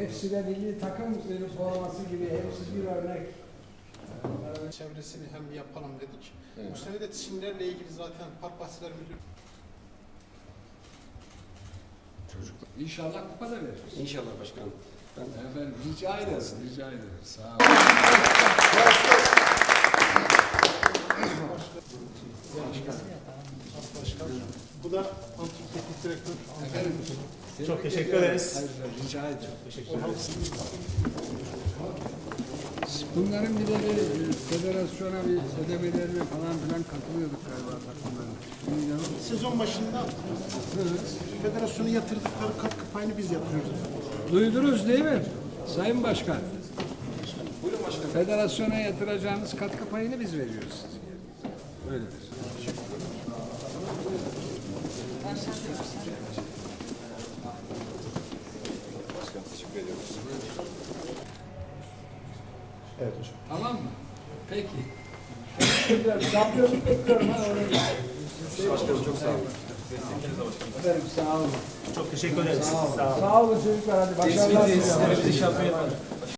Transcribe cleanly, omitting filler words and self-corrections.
hepsi de milli takım forması gibi hepsi bir örnek. Çevresini hem yapalım dedik. Evet. Bu sene de çimlerle ilgili zaten Park Bahçeleri Müdürlüğü. Çocuklar. İnşallah kupa da verir. İnşallah başkanım. Efendim rica ederiz, rica ederiz. Sağ olun. Başkan. Bu da Antik Teknik Direktör. Efendim, Çok teşekkür ederiz. Hayırlı, rica ederim. Teşekkür ederiz. Bunların bir de bir federasyona bir ödemelerine falan filan katılıyorduk galiba takımların. Sezon başında federasyona yatırdıkları katkı payını biz yatırıyoruz. Duydunuz değil mi Sayın Başkan? Buyurun başkanım. Federasyona yatıracağınız katkı payını biz veriyoruz size. Öyledir. Başkanım teşekkür ediyoruz. Evet hocam. Tamam mı? Peki. Şampiyonluk bekliyorum ha oraya. Başkanım çok sağ olun. Efendim sağ olun. Çok teşekkür ederiz. Sağ olun çocuklar hadi başarılar. Şampiyon.